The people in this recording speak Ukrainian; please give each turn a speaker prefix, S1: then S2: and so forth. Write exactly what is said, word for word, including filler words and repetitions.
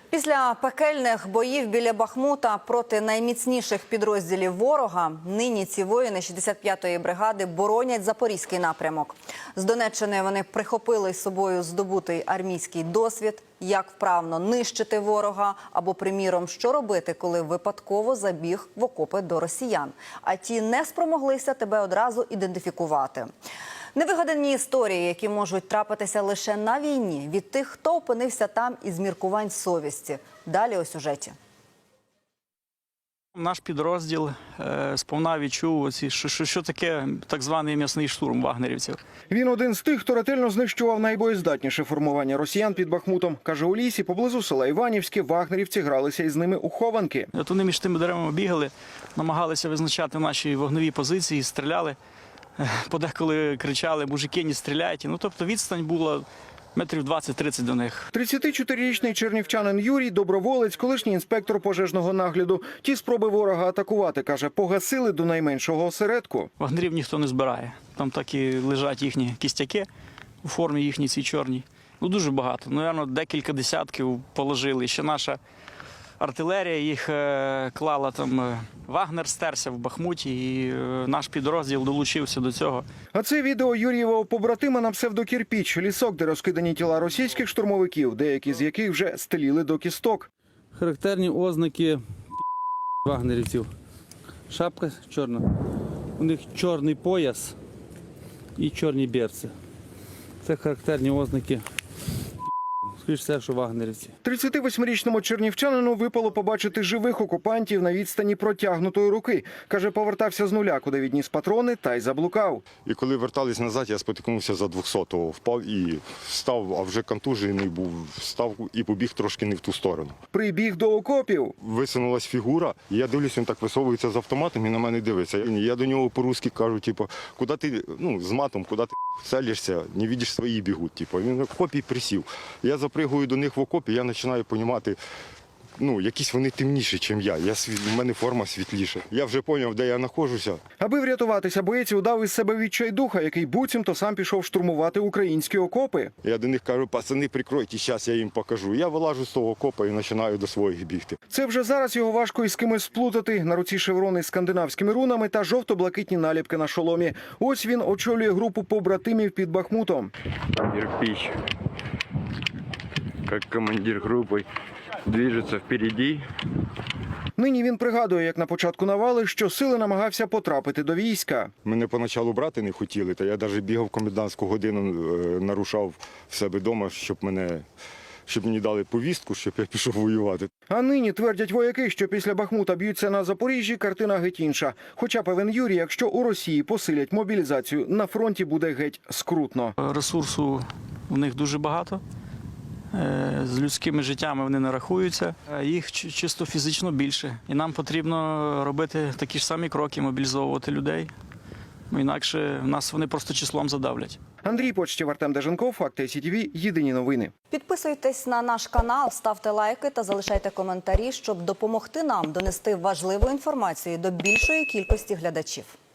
S1: Після пекельних боїв біля Бахмута проти найміцніших підрозділів ворога нині ці воїни шістдесят п'ятої бригади боронять Запорізький напрямок. З Донеччини вони прихопили з собою здобутий армійський досвід, як вправно нищити ворога або, приміром, що робити, коли випадково забіг в окопи до росіян, а ті не спромоглися тебе одразу ідентифікувати. Невигадані історії, які можуть трапитися лише на війні, від тих, хто опинився там із міркувань совісті. Далі у сюжеті.
S2: Наш підрозділ е, сповна відчув, оці, що, що, що таке так званий м'ясний штурм вагнерівців.
S3: Він один з тих, хто ретельно знищував найбоєздатніше формування росіян під Бахмутом. Каже, у лісі поблизу села Іванівське вагнерівці гралися із ними у хованки.
S2: От вони між тими деревами бігали, намагалися визначати наші вогневі позиції, стріляли. Подеколи кричали: «Мужики, не стріляйте». Ну, тобто відстань була метрів двадцять-тридцять до них.
S3: тридцятичотирирічний чернівчанин Юрій – доброволець, колишній інспектор пожежного нагляду. Ті спроби ворога атакувати, каже, погасили до найменшого осередку.
S2: Вагнерів ніхто не збирає. Там так і лежать їхні кістяки у формі їхній цій чорній. Ну, дуже багато. Навірно, декілька десятків положили. Ще наша артилерія їх е, клала там. Е, Вагнер стерся в Бахмуті, і е, наш підрозділ долучився до цього.
S3: А це відео Юрієвого побратима на псевдокірпіч. Лісок, де розкидані тіла російських штурмовиків, деякі з яких вже стеліли до кісток.
S4: Характерні ознаки вагнерівців. Шапка чорна, у них чорний пояс і чорні берці. Це характерні ознаки. Скоріше все, що вагнерівці.
S3: тридцятивосьмирічному чернівчанину випало побачити живих окупантів на відстані протягнутої руки. Каже, повертався з нуля, куди відніс патрони, та й заблукав.
S5: І коли вертались назад, я спотикнувся за двохсотого, впав і встав, а вже контужений був, встав і побіг трошки не в ту сторону.
S3: Прибіг до окопів.
S5: Висунулась фігура, і я дивлюсь, він так висовується з автоматом і на мене дивиться. Я до нього по-русски кажу, типу, куди ти, ну, з матом, куди ти целишся, не бачиш, свої бігуть. Типу. Він в окопі присів. Я запригую до них в окопі, я починаю розуміти, ну, якісь вони темніші, ніж я. я. У мене форма світліша. Я вже зрозумів, де я знаходжуся.
S3: Аби врятуватися, боєць удав із себе відчайдуха, який буцімто сам пішов штурмувати українські окопи.
S5: Я до них кажу: пацани, прикройте, зараз я їм покажу. Я вилажу з того окопа і починаю до своїх бігти.
S3: Це вже зараз його важко із кимось сплутати. На руці шеврони з скандинавськими рунами та жовто-блакитні наліпки на шоломі. Ось він очолює групу побратимів під Бахмутом.
S6: Кирпич, як командир групи, движеться впереді.
S3: Нині він пригадує, як на початку навали, що сили намагався потрапити до війська.
S5: Мене поначалу брати не хотіли, та я навіть бігав комендантську годину, нарушав в себе вдома, щоб мене, щоб мені дали повістку, щоб я пішов воювати.
S3: А нині твердять вояки, що після Бахмута б'ються на Запоріжжі, картина геть інша. Хоча, певен Юрій, якщо у Росії посилять мобілізацію, на фронті буде геть скрутно.
S2: Ресурсу в них дуже багато. З людськими життями вони не рахуються, їх чисто фізично більше. І нам потрібно робити такі ж самі кроки, мобілізовувати людей. Інакше нас вони просто числом задавлять.
S3: Андрій Почтів, Артем Деженков, Факти Сі Ті Ві, єдині новини.
S1: Підписуйтесь на наш канал, ставте лайки та залишайте коментарі, щоб допомогти нам донести важливу інформацію до більшої кількості глядачів.